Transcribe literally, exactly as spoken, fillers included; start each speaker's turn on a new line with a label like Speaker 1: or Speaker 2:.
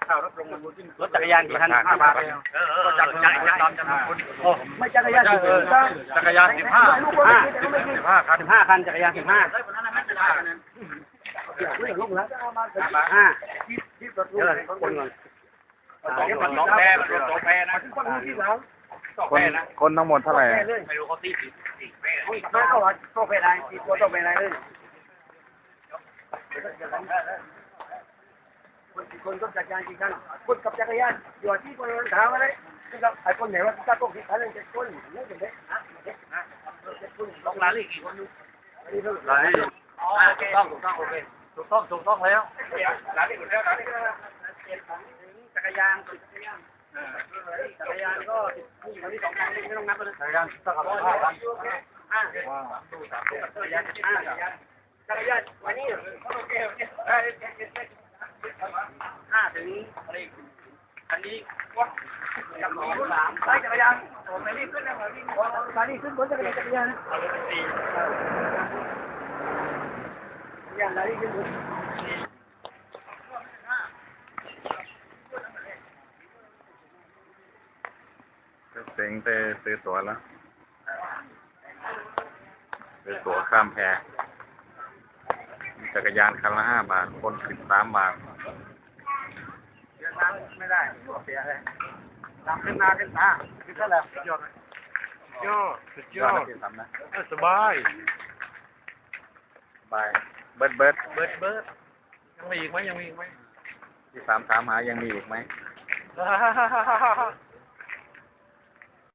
Speaker 1: รถจักรยานกี่คันห้าบาทเออเออจักรยานจักรยานจำนวนคนโอ้ไม่จักรยานจักรยานสิบห้าห้าสิบห้าคันสิบห้าคันจักรยานสิบห้าลงแล้วห้าเดี๋ยวคนก่อนสองแพร่สองแพร่นะ
Speaker 2: คนคนทั้งหมดเท่าไหร่
Speaker 1: ไม่รู้เขาตีสี่สี่แพร่ไม่ก็ว่าต้องแพร่ใดสี่ตัวต้องแพร่ใดเลยคนคนก็จักรยานกี่คันคนกับจักรยานอยู่ที่คนถามอะไรคือไอ้คนไหนว่าถ้าต้องคิดอะไรจะคนนี่เป็นเด็กนะเด็กนะลงรายละเอียดกี่คนดูรายละเอียดถูกต้องถูกต้องโอเคถูกต้องถูกต้องแล้วรายละเอียดแล้วรายละเอียดจักรยานจักรยานก็นี่วันนี้สองคันไม่ต้องนับเลยจักรยานสักห้าคันห้าจักรยานห้าจักรยานวันนี้โอเคโอเคห้าถึงอันนี้ว่าจักรยานสามไปจักรยานผมไม่รีบขึ้นนะผมรีบตอนนี้ขึ้นบนจักรยานจักรยานสี่จักรยานอะไรขึ้นบน
Speaker 2: เซ็งไปซื้อตั๋วแล้วซื้อตั๋วข้ามแพจักรยานคันละห้าบาทคนสิบสามบาท
Speaker 1: เสียน้ำไม่ได้เสียเลยตามขึ้นหน้าขึ้นตาขึ้นเท่าไหร่ยอดยอดสุดยอดสบายสบาย
Speaker 2: เบิร์ดเบิร์ด
Speaker 1: เบิร์ดเบิร์ดยังมีอีกไหมยังมีอีกไหม
Speaker 2: ที่สามถามหายังมีอีกไหม